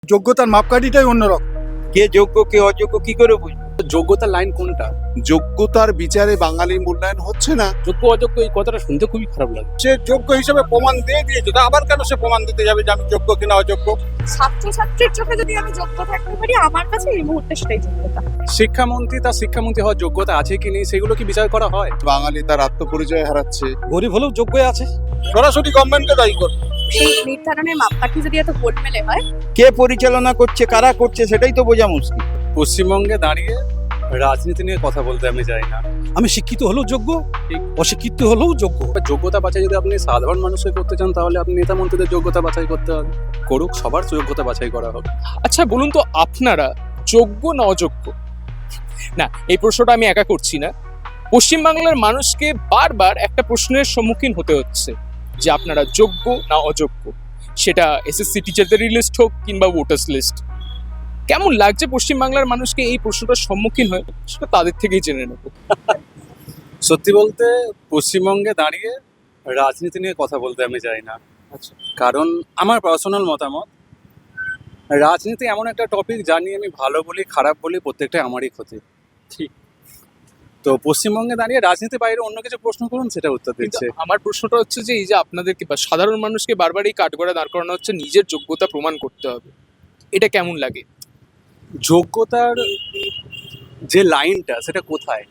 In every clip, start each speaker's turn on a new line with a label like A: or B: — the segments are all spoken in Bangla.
A: যোগ্যতার মাপকাঠিটাই অন্যরকম।
B: কে যোগ্য কে অযোগ্য কি করে বুঝবো?
C: যোগ্যতার লাইন কোনটা?
D: যোগ্যতার বিচারে বাঙালি মূল্যায়ন হচ্ছে না।
C: যোগ্য অযোগ্য এই কথাটা শুনতে খুবই খারাপ লাগে।
A: সে যোগ্য হিসেবে প্রমাণ দিয়ে দিয়েছে, তা আবার কেন সে প্রমাণ দিতে যাবে যে আমি যোগ্য কিনা অযোগ্য?
E: ছাত্রছাত্রীর চোখে যদি আমি যোগ্য থাকতে পারি, আমার কাছে এই মুহূর্তে সেটাই যোগ্যতা।
C: শিক্ষামন্ত্রী তার শিক্ষামন্ত্রী হওয়ার যোগ্যতা আছে কি নেই সেগুলো কি বিচার করা হয়?
D: বাঙালি তার আত্মপরিচয় হারাচ্ছে।
F: গরিব হলেও যোগ্য আছে।
A: সরাসরি গভর্নমেন্টকে দায়ী করবে।
E: সেই নির্ধারণের মাপকাঠি যদি এত গোলমেলে হয়,
B: কে পরিচালনা করছে কারা করছে সেটাই তো বোঝা মুশকিল।
C: পশ্চিমবঙ্গে দাঁড়িয়ে রাজনীতি নিয়ে কথা বলতে আমি চাই না।
F: আমি শিক্ষিত হলেও যোগ্য, অশিক্ষিত হলেও যোগ্য।
C: যোগ্যতা বাছাই যদি আপনি সাধারণ মানুষকে করতে চান তাহলে আপনি নেতা মন্ত্রীদের যোগ্যতা বাছাই করতে হবে। করুক, সবার যোগ্যতা বাছাই করা হোক।
G: আচ্ছা বলুন তো, আপনারা যোগ্য না অযোগ্য? না, এই প্রশ্নটা আমি একা করছি না। পশ্চিমবাংলার মানুষকে বারবার একটা প্রশ্নের সম্মুখীন হতে হচ্ছে যে আপনারা যোগ্য না অযোগ্য, সেটা এসএসসি টিচারদের লিস্ট হোক কিংবা ভোটার্স লিস্ট। কেমন লাগছে পশ্চিমবাংলার মানুষকে এই প্রশ্নটার সম্মুখীন হয়ে, সেটা তাদের থেকেই জেনে নেব।
C: সত্যি বলতে পশ্চিমবঙ্গে দাঁড়িয়ে রাজনীতি নিয়ে কথা বলতে আমি চাই না।
G: আচ্ছা,
C: কারণ আমার পার্সোনাল মতামত, রাজনীতি এমন একটা টপিক যা নিয়ে আমি ভালো বলি খারাপ বলি প্রত্যেকটাই আমারই ক্ষতি।
G: ঠিক।
C: তো পশ্চিমবঙ্গে দাঁড়িয়ে রাজনীতি বাইরে অন্য কিছু প্রশ্ন করুন, সেটা উত্তর
G: কিন্তু
C: দিচ্ছে।
G: আমার প্রশ্নটা হচ্ছে যে এই যে আপনাদেরকে বা সাধারণ মানুষকে বারবার এই কাঠগড়ায় দাঁড় করানো হচ্ছে নিজের যোগ্যতা প্রমাণ করতে হবে, এটা কেমন লাগে?
C: যোগ্যতার যে লাইনটা সেটা কোথায়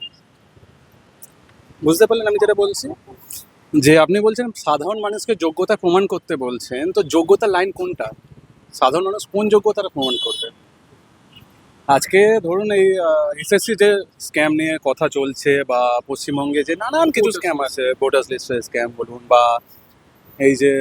C: বুঝতে পারলেন আমি যেটা বলছি? যে আপনি বলছেন সাধারণ মানুষকে যোগ্যতা প্রমাণ করতে বলছেন, তো যোগ্যতার লাইন কোনটা? সাধারণ মানুষ কোন যোগ্যতাটা প্রমাণ করবে? আজকে ধরুন এই এসএসসি যে স্ক্যাম নিয়ে কথা চলছে, বা পশ্চিমবঙ্গে যে নানান কিছু স্ক্যাম আছে, ভোটার্স লিস্টের স্ক্যাম বলুন, বা এই যে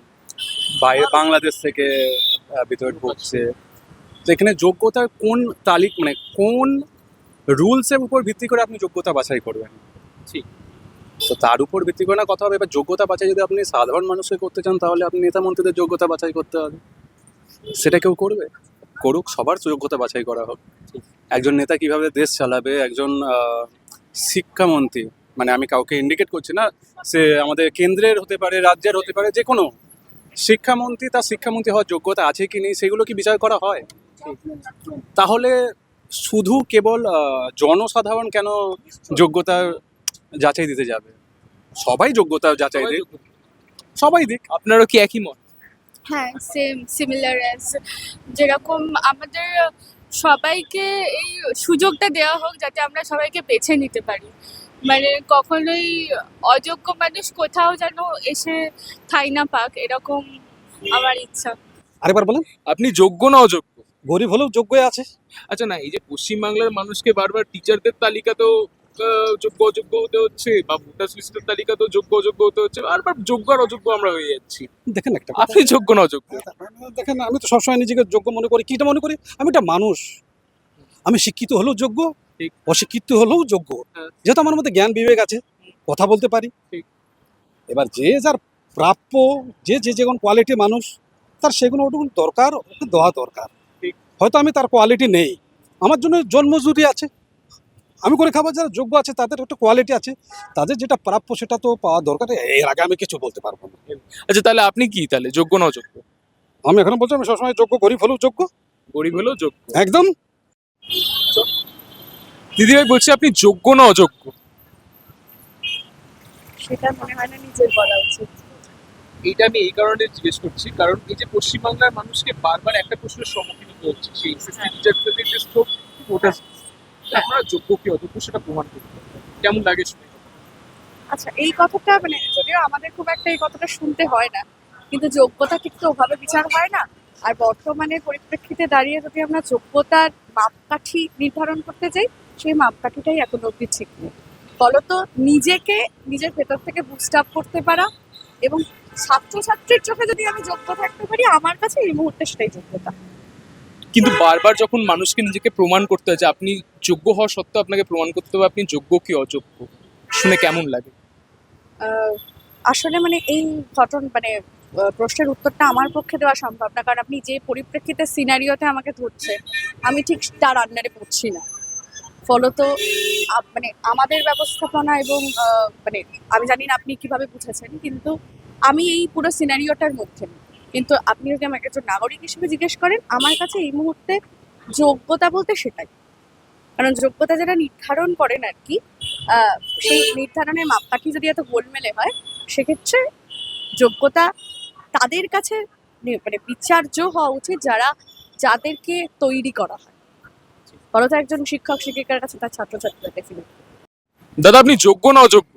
C: বাইরে বাংলাদেশ থেকে ভিতরে ঢুকছে, তো এখানে যোগ্যতার কোন মানে কোন রুলসের উপর ভিত্তি করে আপনি যোগ্যতা বাছাই করবেন?
G: ঠিক।
C: তো তার উপর ভিত্তি করে না কথা হবে। এবার যোগ্যতা বাছাই যদি আপনি সাধারণ মানুষকে করতে চান তাহলে আপনি নেতা মন্ত্রীদের যোগ্যতা বাছাই করতে হবে। সেটা কেউ করবে? করুক, সবার যোগ্যতা বাছাই করা হোক। একজন নেতা কিভাবে দেশ চালাবে, একজন শিক্ষামন্ত্রী, মানে আমি কাউকে ইন্ডিকেট করছি না, সে আমাদের কেন্দ্রের হতে পারে, রাজ্যের হতে পারে, যে কোনো শিক্ষামন্ত্রী তার শিক্ষামন্ত্রী হওয়ার যোগ্যতা আছে কি নেই সেগুলো কি বিচার করা হয়? তাহলে শুধু কেবল জনসাধারণ কেন যোগ্যতার যাচাই দিতে যাবে? সবাই যোগ্যতা যাচাই দিক, সবাই দিক।
G: আপনারও কি একই মত?
E: হ্যাঁ, সিমিলার যেরকম আমাদের সবাইকে এই সুযোগটা দেওয়া হোক যাতে আমরা সবাইকে বেছে নিতে পারি। মানে কখনোই অযোগ্য মানুষ কোথাও যেন এসে ঠাঁই না পাক, এরকম আমার ইচ্ছা।
F: আরেকবার বলেন।
G: আপনি যোগ্য না অযোগ্য?
F: গরিব হলেও যোগ্য আছে।
G: আচ্ছা, না এই যে পশ্চিমবাংলার মানুষকে বারবার টিচারদের তালিকাতেও যোগ্য অযোগ্য হতে হচ্ছে, বা ভোটার্স লিস্টের তালিকাতেও যোগ্য অযোগ্য হতে হচ্ছে, বারবার যোগ্য আর অযোগ্য আমরা হয়ে যাচ্ছি।
F: দেখেন একটা
G: আপনি যোগ্য না অযোগ্য?
F: দেখেন, আমি তো সবসময় নিজেকে যোগ্য মনে করি। কিটা মনে করি? আমি একটা মানুষ। আমি শিক্ষিত হলেও যোগ্য,
G: ঠিক।
F: অশিক্ষিত হলেও যোগ্য।
G: হ্যাঁ।
F: যেহেতু আমার মধ্যে জ্ঞান বিবেক আছে, কথা বলতে পারি।
G: ঠিক।
F: এবার যে যার প্রাপ্য, যে যেমন কোয়ালিটি মানুষ, তার সেগুলো ওটুকু দরকার, ওকে দেওয়া দরকার।
G: ঠিক।
F: হয়তো আমি তার কোয়ালিটি নেই, আমার জন্য জন্মজুরি আছে, আমি করে খাবার যারা যোগ্য আছে তাদের একটা কোয়ালিটি আছে, তাদের যেটা প্রাপ্য সেটা তো পাওয়া দরকার। এর আগে আমি কিছু বলতে পারবো না।
G: আচ্ছা, তাহলে আপনি কি তাহলে যোগ্য না অযোগ্য?
F: আমি এখন বলছি আমি সবসময় যোগ্য, গরিব হলেও যোগ্য।
G: গরিব হলেও যোগ্য,
F: একদম।
G: দিদিভাই বলছি আপনি যোগ্য না অযোগ্য?
E: সেটা মনে হয় না নিজের বলা উচিত।
G: এইটা আমি এই কারণে জিজ্ঞেস করছি, কারণ এই যে পশ্চিমবাংলার মানুষকে বারবার একটা প্রশ্নের সম্মুখীন হতে হচ্ছে, সেই এসএসসি টিচারদের লিস্ট হোক, ভোটার্স লিস্ট, আপনারা যোগ্য কি অযোগ্য সেটা প্রমাণ করতে হবে। কেমন লাগে শুনে?
E: আচ্ছা, এই কথাটা মানে যদিও আমাদের খুব একটা এই কথাটা শুনতে হয় না, কিন্তু যোগ্যতা কিন্তু ওভাবে বিচার হয় না। আর বর্তমানে পরিপ্রেক্ষিতে দাঁড়িয়ে যদি আমরা যোগ্যতার মাপকাঠি নির্ধারণ করতে যাই, সেই মাপকাঠিটাই এখন অবধি ঠিক নেই। ফলত নিজেকে নিজের ভেতর থেকে বুস্ট আপ করতে পারা, এবং ছাত্রছাত্রীর চোখে যদি আমি যোগ্য থাকতে পারি, আমার কাছে এই মুহূর্তে সেটাই যোগ্যতা।
G: কিন্তু বারবার যখন মানুষকে নিজেকে প্রমাণ করতে হয় যে আপনি যোগ্য হওয়া সত্ত্বেও আপনাকে প্রমাণ করতে হবে আপনি যোগ্য কি অযোগ্য, শুনে কেমন লাগে?
E: আসলে মানে এই প্রশ্নের উত্তরটা আমার পক্ষে দেওয়া সম্ভব না, কারণ আপনি যে পরিপ্রেক্ষিতে সিনারিওতে আমাকে ধরছে, আমি ঠিক তার আন্ডারে পড়ছি না। ফলত মানে আমাদের ব্যবস্থাপনা এবং মানে আমি জানি না আপনি কিভাবে বুঝেছেন, কিন্তু আমি এই পুরো সিনারিওটার মধ্যে নেই। কিন্তু আপনি যদি আমাকে একজন নাগরিক হিসেবে জিজ্ঞেস করেন, আমার কাছে এই মুহূর্তে যোগ্যতা বলতে সেটাই। কারণ যোগ্যতা যেটা নির্ধারণ করেন আর কি, সেই নির্ধারণের মাপকাঠি যদি এত গোলমেলে হয়, সেক্ষেত্রে যোগ্যতা তাদের কাছে মানে বিচার্য হওয়া উচিত যাদেরকে তৈরি করা হয়। বড় তো একজন শিক্ষক শিক্ষিকার কাছে তার ছাত্রছাত্রীদের ডেফিনেটলি।
G: দাদা আপনি যোগ্য না অযোগ্য?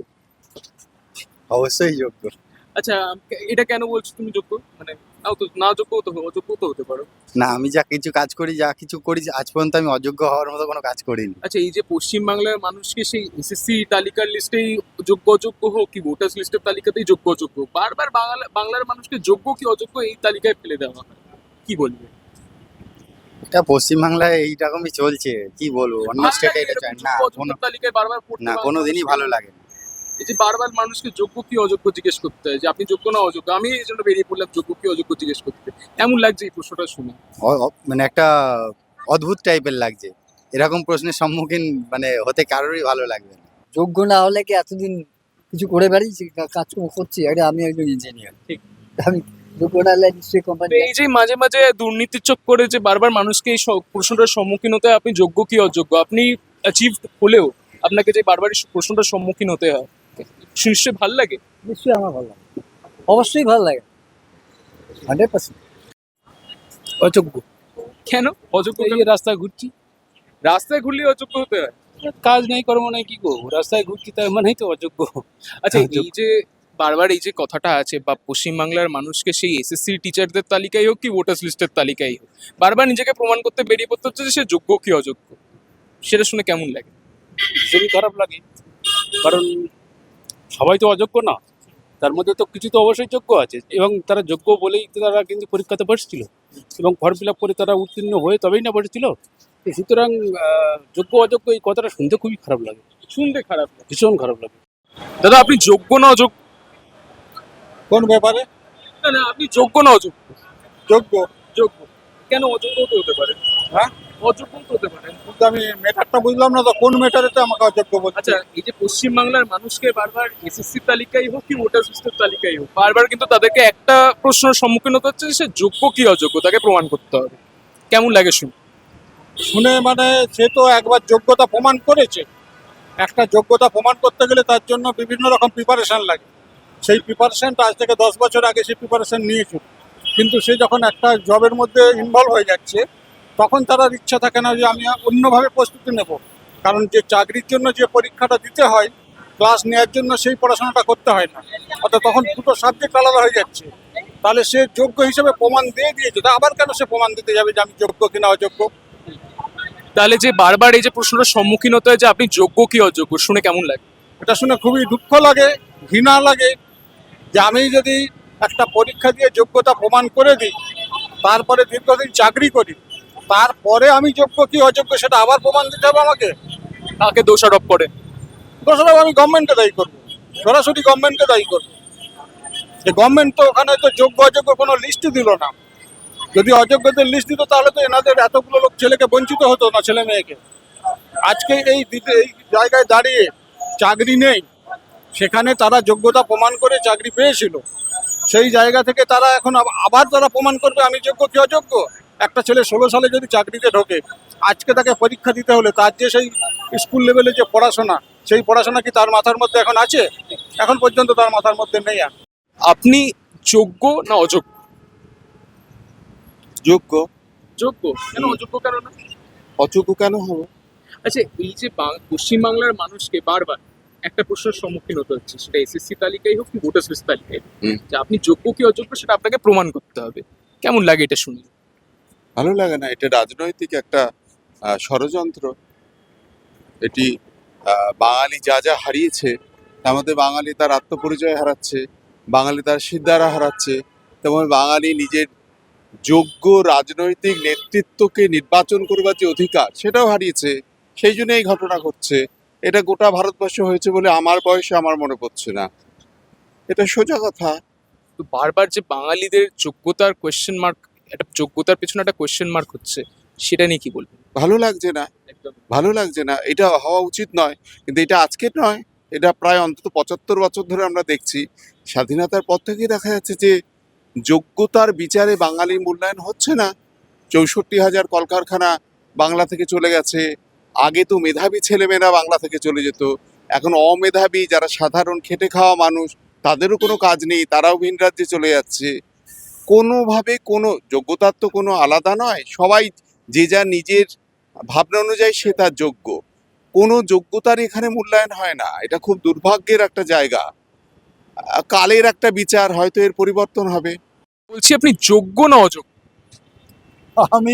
B: অবশ্যই যোগ্য।
G: আচ্ছা, এটা কেন বলছো তুমি যোগ্য? মানে না যোগ্য তো অযোগ্য তো হতে পারো।
B: না, আমি যা কিছু করি আজ পর্যন্ত আমি অযোগ্য হওয়ার মতো কোনো কাজ করিনি।
G: আচ্ছা, এই যে পশ্চিমবাংলার মানুষকে সেই এসএসসি তালিকার লিস্টেই যোগ্য অযোগ্য হোক কি ভোটার্স লিস্টের তালিকাতেই যোগ্য অযোগ্য, বারবার বাংলার মানুষকে যোগ্য কি অযোগ্য এই তালিকায় ফেলে দেওয়া হয়, কি বলবে?
B: এটা পশ্চিমবাংলায় এইরকমই চলছে, কি বলবো, অন্য
G: ভালো
B: স্টেটে
G: লাগে
B: এটা
G: এরকম
B: চাই না,
G: যোগ্য অযোগ্য তালিকায় বারবার পড়তে
B: না কোনোদিনই ভালো লাগে না।
G: এই যে বারবার মানুষকে যোগ্য কি অযোগ্য জিজ্ঞেস করতে হয় যে আপনি যোগ্য না অযোগ্য, আমি এই জন্য বেরিয়ে পড়লাম যোগ্য কি অযোগ্য জিজ্ঞেস করতে। এমন লাগছে এই প্রশ্নটা শুনে?
B: মানে একটা অদ্ভুত টাইপের লাগছে, এরকম প্রশ্নের সম্মুখীন মানে হতে কারোরই ভালো লাগবে না।
H: যোগ্য না হলে কি এতদিন কিছু করে বেড়িয়েছি, কাজকর্ম করছি? আরে আমি একজন ইঞ্জিনিয়ার,
G: ঠিক।
H: আমি যোগ্য না হলে নিশ্চয়ই কোম্পানি।
G: তো এই যে মাঝে মাঝে দুর্নীতির চোখ করে যে বারবার মানুষকে এই প্রশ্নটার সম্মুখীন হতে হয় আপনি যোগ্য কি অযোগ্য, আপনি অ্যাচিভ হলেও আপনাকে যে বারবার এই প্রশ্নটার সম্মুখীন হতে হয়, নিশ্চয়ই ভালো লাগে?
H: নিশ্চয়ই আমার ভালো লাগে, অবশ্যই ভালো লাগে, 100%।
F: অযোগ্য।
G: কেন অযোগ্য?
F: এই যে রাস্তায় ঘুরছি,
G: রাস্তায় ঘুরলে অযোগ্য হতে হয়?
F: কাজ নেই কর্ম নেই, কি করবো, রাস্তায় ঘুরছি তার মানেই তো অযোগ্য।
G: আচ্ছা, এই যে বারবার এই যে কথাটা আছে বা পশ্চিমবাংলার মানুষকে সেই এসএসসি টিচারদের তালিকায় হোক কি ভোটার্স লিস্টের তালিকায় হোক বারবার নিজেকে প্রমাণ করতে বেরিয়ে পড়তে হচ্ছে যে সে যোগ্য কি অযোগ্য, সেটা শুনে কেমন লাগে?
F: ভীষণই খারাপ লাগে, কারণ সবাই তো অযোগ্য না, তার মধ্যে তো কিছু তো অবশ্যই যোগ্য আছে, এবং তারা যোগ্য বলেই তো তারা কিন্তু পরীক্ষাতে বসছিল এবং ফর্ম ফিল আপ করে তারা উত্তীর্ণ হয়ে তবেই না বসেছিল। তো সুতরাং যোগ্য অযোগ্য এই কথাটা শুনতে খুবই খারাপ লাগে,
G: শুনতে খারাপ লাগে।
F: ভীষণ খারাপ লাগে।
G: দাদা আপনি যোগ্য না অযোগ্য?
A: কোন ব্যাপারে?
G: না না, আপনি যোগ্য না অযোগ্য?
A: যোগ্য।
G: যোগ্য। কেন অযোগ্য তো হতে পারে?
A: হ্যাঁ?
G: অযোগ্য তো হতে পারে।
A: কিন্তু আমি মেটারটা বুঝলাম না তো, কোন মেটারেতে আমাকে অযোগ্য বলছে?
G: আচ্ছা, এই যে পশ্চিমবাংলার মানুষকে বারবার এসএসসি তালিকায় হোক কি ভোটার লিস্টের তালিকায় হোক বারবার কিন্তু তাদেরকে একটা প্রশ্নের সম্মুখীন হতে হচ্ছে যে সে যোগ্য কি অযোগ্য তাকে প্রমাণ করতে হবে। কেমন লাগে শুনে?
A: শুনে মানে সে তো একবার যোগ্যতা প্রমাণ করেছে, একটা যোগ্যতা প্রমাণ করতে গেলে তার জন্য বিভিন্ন রকম প্রিপারেশন লাগে। সেই প্রিপারেশনটা আজ থেকে 10 বছর আগে সেই প্রিপারেশন নিয়েছিল, কিন্তু সে যখন একটা জবের মধ্যে ইনভলভ হয়ে যাচ্ছে তখন তার আর ইচ্ছা থাকে না যে আমি অন্যভাবে প্রস্তুতি নেব, কারণ যে চাকরির জন্য যে পরীক্ষাটা দিতে হয় ক্লাস নেওয়ার জন্য সেই পড়াশোনাটা করতে হয় না, অর্থাৎ তখন দুটো সাবজেক্ট আলাদা হয়ে যাচ্ছে। তাহলে সে যোগ্য হিসেবে প্রমাণ দিয়ে দিয়েছে, তা আবার কেন সে প্রমাণ দিতে যাবে যে আমি যোগ্য কিনা অযোগ্য?
G: তাহলে যে বারবার এই যে প্রশ্নটার সম্মুখীন হতে হয় যে আপনি যোগ্য কি অযোগ্য, শুনে কেমন লাগে?
A: এটা শুনে খুবই দুঃখ লাগে, ঘৃণা লাগে, যে আমি যদি একটা পরীক্ষা দিয়ে যোগ্যতা প্রমাণ করে দিই, তারপরে দীর্ঘদিন চাকরি করি, তারপরে আমি যোগ্য কি অযোগ্য সেটা আবার প্রমাণ দিতে হবে আমাকে।
G: কাকে দোষারোপ করে?
A: দোষারোপ আমি গভর্নমেন্টকে দায়ী করবো, সরাসরি গভর্নমেন্টকে দায়ী করবো। যে গভর্নমেন্ট তো ওখানে তো যোগ্য অযোগ্য কোনো লিস্টই দিল না, যদি অযোগ্যদের লিস্ট দিত তাহলে তো এনাদের এতগুলো লোক ছেলেকে বঞ্চিত হতো না, ছেলে মেয়েকে। আজকে এই জায়গায় দাঁড়িয়ে চাকরি নেই, সেখানে তারা যোগ্যতা প্রমাণ করে চাকরি পেয়েছিল, সেই জায়গা থেকে তারা এখন আবার তারা প্রমাণ করবে আমি যোগ্য কি অযোগ্য। একটা ছেলে 16 সালে যদি চাকরিতে ঢোকে, আজকে তাকে পরীক্ষা দিতে হলে তার যে সেই স্কুল লেভেলে যে পড়াশোনা, সেই পড়াশোনা কি তার মাথার মধ্যে এখন আছে? এখন পর্যন্ত তার মাথার মধ্যে নেই। আর
G: আপনি যোগ্য না অযোগ্য?
D: যোগ্য।
G: যোগ্য। কেন অযোগ্য কেন না?
D: অযোগ্য কেন হবে?
G: আচ্ছা, এই যে পশ্চিমবাংলার মানুষকে বারবার একটা প্রশ্নের সম্মুখীন হতে হচ্ছে, সেটা এসএসসি তালিকায় হোক কি ভোটার্স লিস্ট তালিকায় হোক, যে আপনি যোগ্য কি অযোগ্য সেটা আপনাকে প্রমাণ করতে হবে। কেমন লাগে এটা শুনে?
D: ভালো লাগে না, এটা রাজনৈতিক একটা ষড়যন্ত্র। এটি বাঙালি যা যা হারিয়েছে তার মধ্যে বাঙালি তার আত্মপরিচয় হারাচ্ছে, বাঙালি তার সিদ্ধারা হারাচ্ছে, তেমন বাঙালি নিজের যোগ্য রাজনৈতিক নেতৃত্বকে নির্বাচন করবার যে অধিকার সেটাও হারিয়েছে। সেই জন্য এই ঘটনা ঘটছে। এটা গোটা ভারতবর্ষে হয়েছে বলে আমার বয়সে আমার মনে পড়ছে না, এটা সোজা কথা।
G: তো বারবার যে বাঙালিদের যোগ্যতার কোয়েশ্চেন মার্ক, একটা যোগ্যতার পেছনে একটা কোয়েশ্চেন মার্ক হচ্ছে, সেটা নিয়ে কি বলবেন?
D: ভালো লাগছে না,
G: একদম
D: ভালো লাগছে না, এটা হওয়া উচিত নয়। কিন্তু এটা আজকের নয়, এটা প্রায় অন্তত 75 বছর ধরে আমরা দেখছি। স্বাধীনতার পর থেকেই দেখা যাচ্ছে যে যোগ্যতার বিচারে বাঙালির মূল্যায়ন হচ্ছে না। 64,000 কলকারখানা বাংলা থেকে চলে গেছে। আগে তো মেধাবী ছেলেমেয়েরা বাংলা থেকে চলে যেত, এখন অমেধাবী যারা সাধারণ খেটে খাওয়া মানুষ তাদেরও কোনো কাজ নেই, তারাও ভিন রাজ্যে চলে যাচ্ছে। কোনোভাবে কোনো যোগ্যতার তো কোনো আলাদা নয়, সবাই যে যা নিজের ভাবনা অনুযায়ী সে তার যোগ্য। কোনো যোগ্যতার এখানে মূল্যায়ন হয় না, এটা খুব দুর্ভাগ্যের একটা জায়গা। কালের একটা বিচার, হয়তো এর পরিবর্তন হবে।
G: বলছি আপনি যোগ্য না অযোগ্য?
A: আমি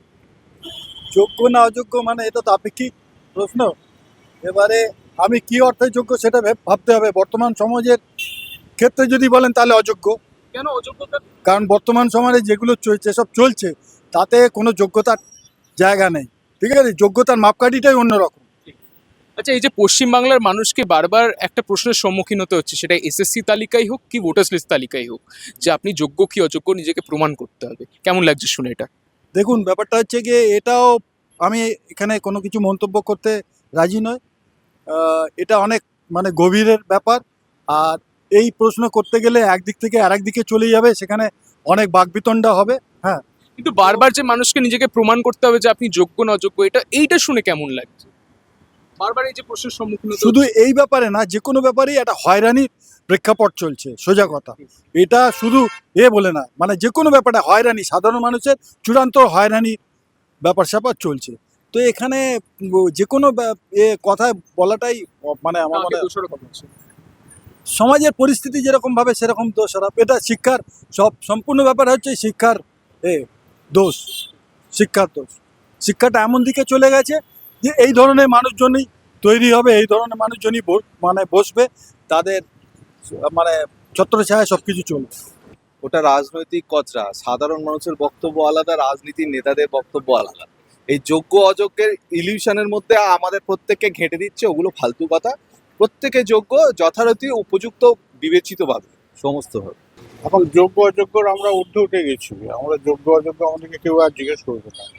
A: যোগ্য না অযোগ্য মানে এটা তো আপেক্ষিক প্রশ্ন। এবারে আমি কি অর্থে যোগ্য সেটা ভাবতে হবে। বর্তমান সমাজের ক্ষেত্রে যদি বলেন তাহলে অযোগ্য,
G: কেন অযোগ্যতা?
A: কারণ বর্তমান সমাজে যেগুলো যেসব চলছে তাতে কোনো যোগ্যতার জায়গা নেই। ঠিক আছে, যোগ্যতার মাপকাঠিটাই অন্যরকম।
G: আচ্ছা, এই যে পশ্চিমবাংলার মানুষকে বারবার একটা প্রশ্নের সম্মুখীন হতে হচ্ছে, সেটা এসএসসি তালিকায় হোক কি ভোটার্স লিস্ট তালিকায় হোক, যে আপনি যোগ্য কি অযোগ্য নিজেকে প্রমাণ করতে হবে। কেমন লাগছে শুনে এটা?
A: দেখুন, ব্যাপারটা হচ্ছে গিয়ে এটাও আমি এখানে কোনো কিছু মন্তব্য করতে রাজি নয়। এটা অনেক মানে গভীরের ব্যাপার। আর এই প্রশ্ন করতে গেলে একদিক থেকে আরেক দিকে চলে যাবে, সেখানে অনেক বাকবিতণ্ডা হবে। হ্যাঁ,
G: কিন্তু বারবার যে মানুষকে নিজেকে প্রমাণ করতে হবে যে আপনি যোগ্য না অযোগ্য, এইটা শুনে কেমন লাগছে? বারবার এই যে প্রশ্নের সম্মুখীন হতে
A: শুধু
G: হচ্ছে।
A: এই ব্যাপারে না, যে কোনো ব্যাপারেই একটা হয়রানির প্রেক্ষাপট চলছে, সোজা কথা। এটা শুধু বলে না, মানে যে কোনো ব্যাপারে হয়রানি, সাধারণ মানুষের চূড়ান্ত হয়রানির ব্যাপার স্যাপার চলছে। তো এখানে যে কোনো কথা বলাটাই মানে আমার মনে
G: কাকে
A: হয়
G: দোষারোপ করছে?
A: সমাজের পরিস্থিতি যেরকম ভাবে সেরকম দোষারোপ। এটা শিক্ষার সম্পূর্ণ ব্যাপার হচ্ছে শিক্ষার দোষ, শিক্ষার দোষ। শিক্ষাটা এমন দিকে চলে গেছে যে এই ধরনের মানুষজনই তৈরি হবে, এই ধরনের মানুষজনই মানে বসবে, তাদের মানে ছত্রছায়ায় সব কিছু চলবে।
I: ওটা রাজনৈতিক কচরা। সাধারণ মানুষের বক্তব্য আলাদা, রাজনীতির নেতাদের বক্তব্য আলাদা। এই যোগ্য অযোগ্যের ইলিউশনের মধ্যে আমাদের প্রত্যেককে ঘেঁটে দিচ্ছে, ওগুলো ফালতু কথা। প্রত্যেকে যোগ্য, যথারীতি উপযুক্ত বিবেচিতভাবে সমস্তভাবে।
J: এখন যোগ্য অযোগ্যর আমরা ঊর্ধ্বে উঠে গেছি। আমরা যোগ্য অযোগ্য আমাদেরকে কেউ আর জিজ্ঞেস করবে না।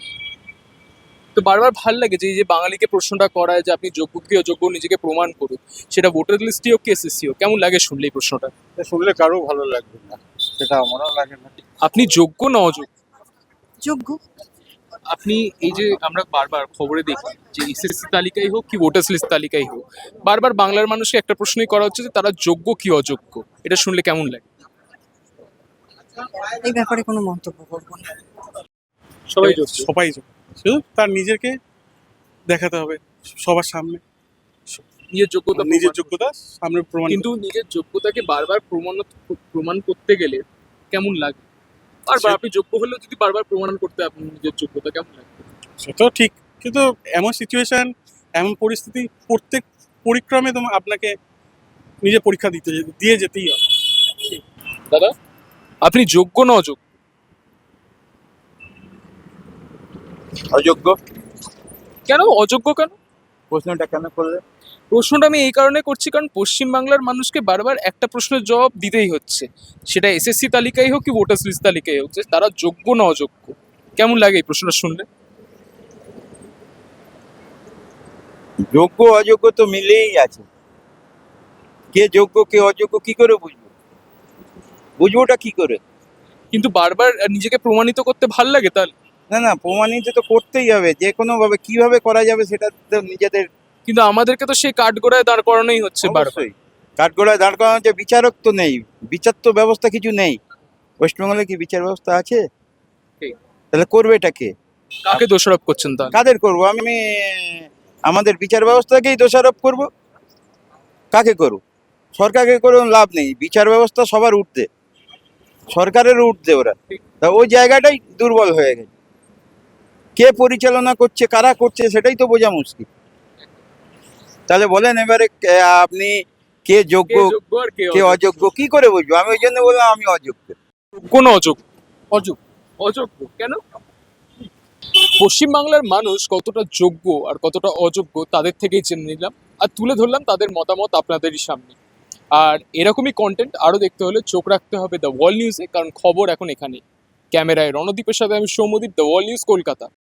G: তো বারবার ভাল লাগে যে এই যে বাঙালিকে প্রশ্নটা করায় যে আপনি যোগ্য কি অযোগ্য নিজেকে প্রমাণ করুন, সেটা ভোটার লিস্টই হোক কি এসএসসি হোক। কেমন লাগে শুনলে এই প্রশ্নটা?
J: এটা শুনলে কারো ভালো লাগবে না, সেটা আমারও লাগে না।
G: আপনি যোগ্য না অযোগ্য?
E: যোগ্য।
G: আপনি এই যে আমরা বারবার খবরে দেখি যে এসএসসি তালিকায় হোক কি ভোটার্স লিস্ট তালিকায় হোক, বারবার বাংলার মানুষকে একটা প্রশ্নই করা হচ্ছে যে তারা যোগ্য কি অযোগ্য। এটা শুনলে কেমন লাগে?
E: এই ব্যাপারে কোনো মন্তব্য করবো না।
G: সবাই যোগ্য।
J: সবাই যোগ্য, শুধু তার নিজেকে দেখাতে হবে সবার সামনে,
G: নিজের যোগ্যতা
J: নিজের
G: প্রমাণ।
J: যোগ্যতা সামনে প্রমাণ।
G: কিন্তু নিজের যোগ্যতাকে বারবার প্রমাণ করতে গেলে কেমন লাগে? বারবার আপনি যোগ্য হলেও যদি বারবার প্রমাণ করতে আপনি নিজের যোগ্যতা, কেমন লাগে?
J: সেটাও ঠিক, কিন্তু এমন সিচুয়েশন, এমন পরিস্থিতি প্রত্যেক পরিক্রমে তোমার আপনাকে নিজে পরীক্ষা দিয়ে যেতেই হবে।
G: দাদা, আপনি যোগ্য না অযোগ্য?
I: অযোগ্য।
G: কেন অযোগ্য? কেন
I: প্রশ্নটা কেন করলে?
G: প্রশ্নটা আমি এই কারণে করছি কারণ পশ্চিমবাংলার মানুষকে বারবার একটা প্রশ্নের জবাব দিতেই হচ্ছে, সেটা এসএসসি তালিকায় হোক কি ভোটার্স লিস্ট তালিকায় হোক, যে তারা যোগ্য না অযোগ্য। কেমন লাগে এই প্রশ্নটা শুনলে?
I: যোগ্য অযোগ্য তো মিলেই আছে। কে যোগ্য কে অযোগ্য কি করে বুঝবো? বুঝবোটা কি করে?
G: কিন্তু বারবার নিজেকে প্রমাণিত করতে ভাল লাগে তাহলে?
I: না না, প্রমাণিত তো করতেই হবে, যে কোনো ভাবে। কিভাবে করা যাবে সেটা তো নিজেদের।
G: কিন্তু আমাদেরকে তো সেই কাঠগড়ায় দাঁড় করানোই হচ্ছে বারবার।
I: অবশ্যই কাঠগড়ায় দাঁড় করানো হচ্ছে, বিচারক তো নেই, বিচার তো ব্যবস্থা কিছু নেই। ওয়েস্টবেঙ্গলে কি বিচার ব্যবস্থা আছে?
G: ঠিক।
I: তাহলে করবে এটা কে?
G: কাকে দোষারোপ করছেন তাহলে?
I: কাদের করবো? আমি আমাদের বিচার ব্যবস্থাকেই দোষারোপ করব। কাকে করব? সরকারকে করে লাভ নেই, বিচার ব্যবস্থা সবার ঊর্ধ্বে, সরকারের ঊর্ধ্বে ওরা। তা ওই জায়গাটাই দুর্বল হয়ে গেছে। কে পরিচালনা করছে, কারা করছে, সেটাই তো বোঝা মুশকিল। তাহলে বলেন এবারে আপনি কে যোগ্য
G: কে যোগ্য আর কে
I: কে
G: অযোগ্য?
I: অযোগ্য কি করে বুঝবো? আমি ওই জন্য বললাম আমি অযোগ্য।
G: যোগ্য না অযোগ্য? অযোগ্য। অযোগ্য কেন? পশ্চিমবাংলার মানুষ কতটা যোগ্য আর কতটা অযোগ্য তাদের থেকেই জেনে নিলাম, আর তুলে ধরলাম তাদের মতামত আপনাদেরই সামনে। আর এরকমই কন্টেন্ট আরও দেখতে হলে চোখ রাখতে হবে দ্য ওয়াল নিউজে, কারণ খবর এখন এখানে। ক্যামেরায় রণদীপের সাথে আমি Soumyadeep, the wall news, Kolkata.